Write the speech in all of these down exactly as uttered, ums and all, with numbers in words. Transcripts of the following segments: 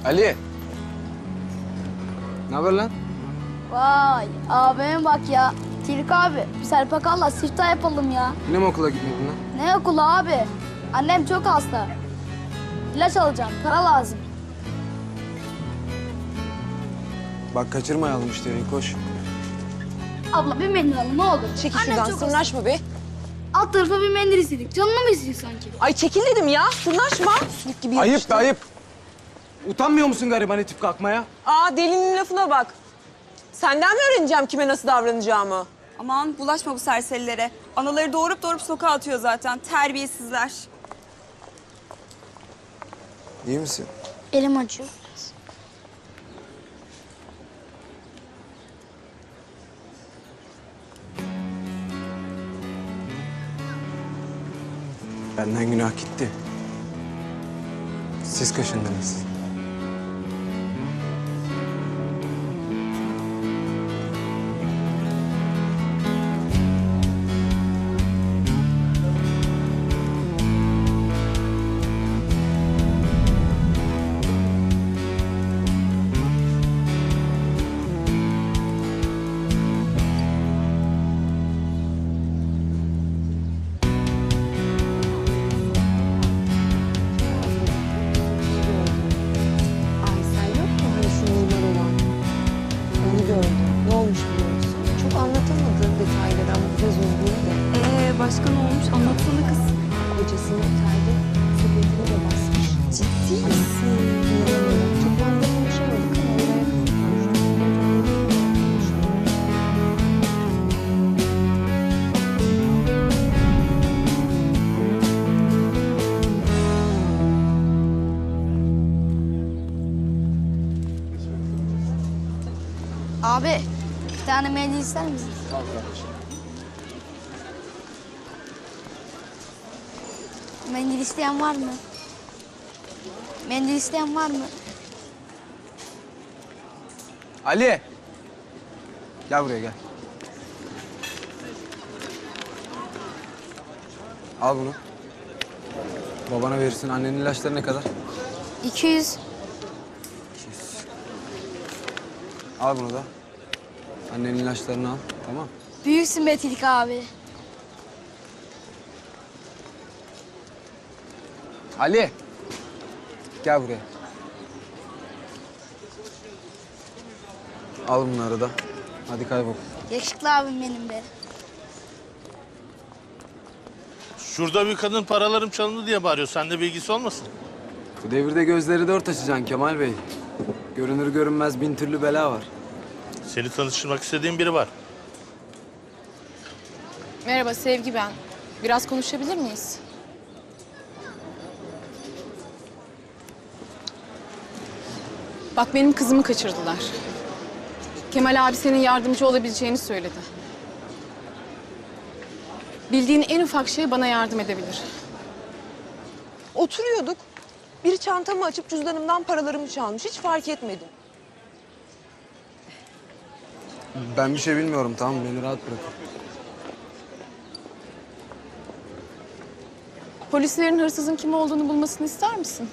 Ali. Ne haber lan? Vay abime bak ya. Tilki abi bir serpakalla siftah yapalım ya. Yine mi okula gitmedin lan? Ne okulu abi? Annem çok hasta. İlaç alacağım, para lazım. Bak kaçırmayalım işte, koş. Abla bir mendil alın ne olur. Çekil Annem şuradan, çok hasta. sırnaşma be. Alt tarafa bir mendil istedik. Canına mı istedik sanki? Ay çekil dedim ya, sırnaşma. Sülük gibi Ayıp yapıştı. be ayıp. Utanmıyor musun gariban itip kalkmaya? Aa, delinin lafına bak. Senden mi öğreneceğim kime nasıl davranacağımı? Aman bulaşma bu serserilere. Anaları doğurup doğurup sokağa atıyor zaten. Terbiyesizler. İyi misin? Elim acıyor. Benden günah gitti. Siz kaşındınız. Ay sen yok mu hani şu mimar olan? Onu gördüm. Ne olmuş biliyor musun? Çok anlatamadığım detayları ama biraz üzgün de. Ee başka ne olmuş? Anlatsana kız. Kocasının otelde sepetini de basmış. Ciddi misin? İnanamıyorum. Toplamda konuşamadık ama oraya Abi bir tane mendil ister misin? Mendil isteyen var mı? Mendil isteyen var mı? Ali. Gel buraya gel. Al bunu. Babana verirsin. Annenin ilaçları ne kadar? iki yüz. Al bunu da. Annenin ilaçlarını al. Tamam. Büyüksün be Tilki abi. Ali. Gel buraya. Al bunları da. Hadi kaybol. Yakışıklı abim benim be. Şurada bir kadın paralarım çalındı diye bağırıyor. Sende bilgisi olmasın? Bu devirde gözleri dört açacaksın Kemal Bey. Görünür görünmez bin türlü bela var. Seni tanıştırmak istediğim biri var. Merhaba Sevgi ben. Biraz konuşabilir miyiz? Bak benim kızımı kaçırdılar. Kemal abi senin yardımcı olabileceğini söyledi. Bildiğin en ufak şey bana yardım edebilir. oturuyorduk. Biri çantamı açıp cüzdanımdan paralarımı çalmış. Hiç fark etmedim. Ben bir şey bilmiyorum, tamam mı? Beni rahat bırakın. Polislerin hırsızın kim olduğunu bulmasını ister misin?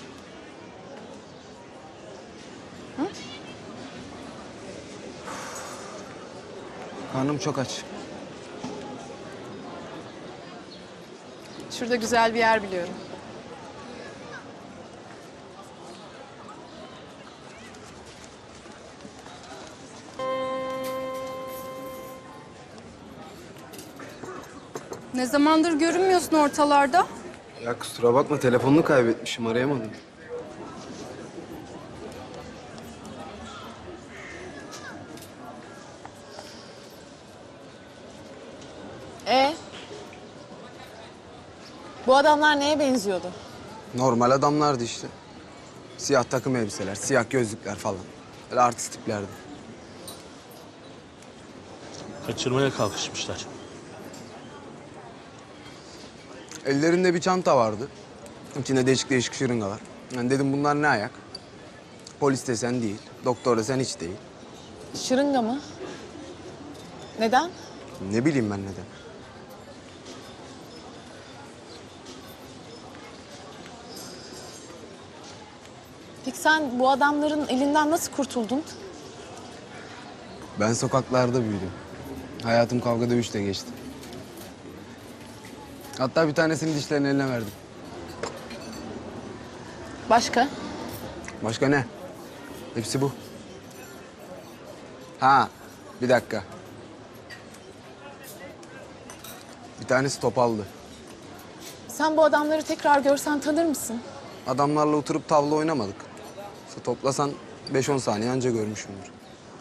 Karnım çok aç. Şurada güzel bir yer biliyorum. Ne zamandır görünmüyorsun ortalarda? Ya kusura bakma, telefonunu kaybetmişim, arayamadım. E bu adamlar neye benziyordu? Normal adamlardı işte. Siyah takım elbiseler, siyah gözlükler falan. Böyle artist tiplerdi. Kaçırmaya kalkışmışlar. Ellerinde bir çanta vardı. İçinde değişik değişik şırıngalar. Yani dedim bunlar ne ayak? Polis desen değil, doktor desen hiç değil. Şırınga mı? Neden? Ne bileyim ben neden. Peki sen bu adamların elinden nasıl kurtuldun? Ben sokaklarda büyüdüm. Hayatım kavga dövüşle geçti. Hatta bir tanesini dişlerin eline verdim. Başka? Başka ne? Hepsi bu. Ha, bir dakika. Bir tanesi topaldı. Sen bu adamları tekrar görsen tanır mısın? Adamlarla oturup tavla oynamadık. İşte toplasan beş on saniye anca görmüşümdür.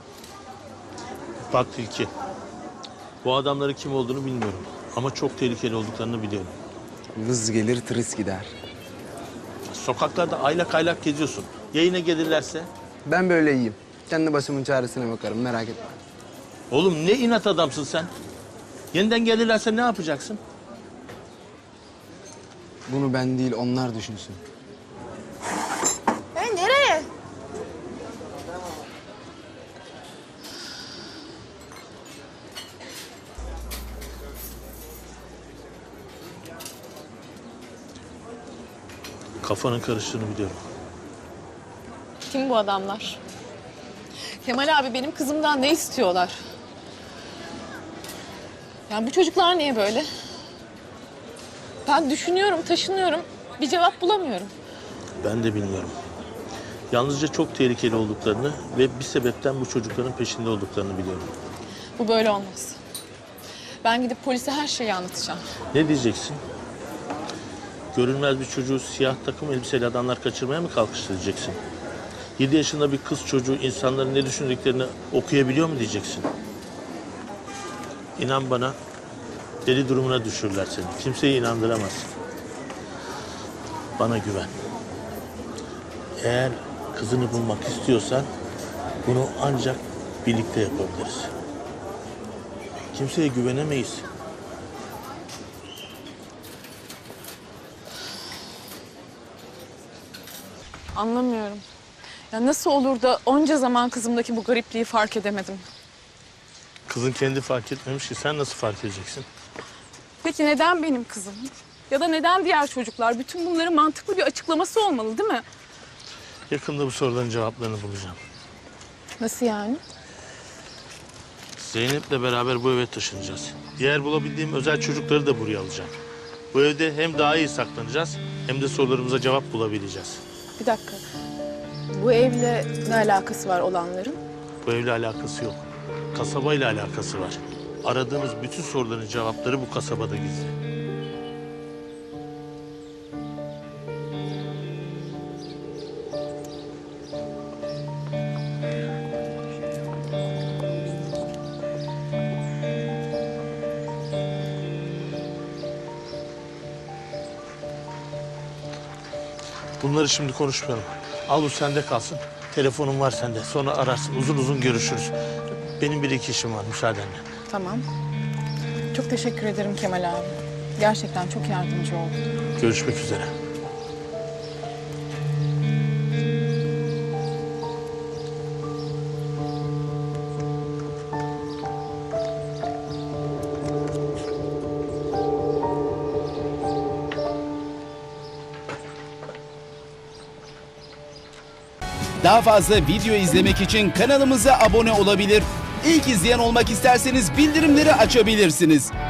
Bak Tilki. Bu adamların kim olduğunu bilmiyorum. Ama çok tehlikeli olduklarını biliyorum. Vız gelir tırıs gider. Sokaklarda aylak aylak geziyorsun. Yayına gelirlerse? Ben böyle iyiyim. Kendi başımın çaresine bakarım, merak etme. Oğlum ne inat adamsın sen. Yeniden gelirlerse ne yapacaksın? Bunu ben değil, onlar düşünsün. E nereye? Kafanın karıştığını biliyorum. Kim bu adamlar? Kemal abi benim kızımdan ne istiyorlar? Yani bu çocuklar niye böyle? Ben düşünüyorum, taşınıyorum. Bir cevap bulamıyorum. Ben de bilmiyorum. Yalnızca çok tehlikeli olduklarını ve bir sebepten bu çocukların peşinde olduklarını biliyorum. Bu böyle olmaz. Ben gidip polise her şeyi anlatacağım. Ne diyeceksin? Görünmez bir çocuğu siyah takım elbiseli adamlar kaçırmaya mı kalkıştı diyeceksin? Yedi yaşında bir kız çocuğu insanların ne düşündüklerini okuyabiliyor mu diyeceksin? İnan bana, deli durumuna düşürürler seni. Kimseyi inandıramazsın. Bana güven. Eğer kızını bulmak istiyorsan bunu ancak birlikte yapabiliriz. Kimseye güvenemeyiz. Anlamıyorum. Ya nasıl olur da onca zaman kızımdaki bu garipliği fark edemedim? Kızın kendi fark etmemiş ki sen nasıl fark edeceksin? Peki neden benim kızım? Ya da neden diğer çocuklar? Bütün bunların mantıklı bir açıklaması olmalı değil mi? Yakında bu soruların cevaplarını bulacağım. Nasıl yani? Zeynep'le beraber bu eve taşınacağız. Diğer bulabildiğim özel çocukları da buraya alacağım. Bu evde hem daha iyi saklanacağız hem de sorularımıza cevap bulabileceğiz. Bir dakika. Bu evle ne alakası var olanların? Bu evle alakası yok. Kasabayla alakası var. Aradığımız bütün soruların cevapları bu kasabada gizli. Bunları şimdi konuşmayalım. Al bu sende kalsın. Telefonum var sende. Sonra ararsın. Uzun uzun görüşürüz. Benim bir iki işim var müsaadenle. Tamam. Çok teşekkür ederim Kemal abi. Gerçekten çok yardımcı oldun. Görüşmek üzere. Daha fazla video izlemek için kanalımıza abone olabilir. İlk izleyen olmak isterseniz bildirimleri açabilirsiniz.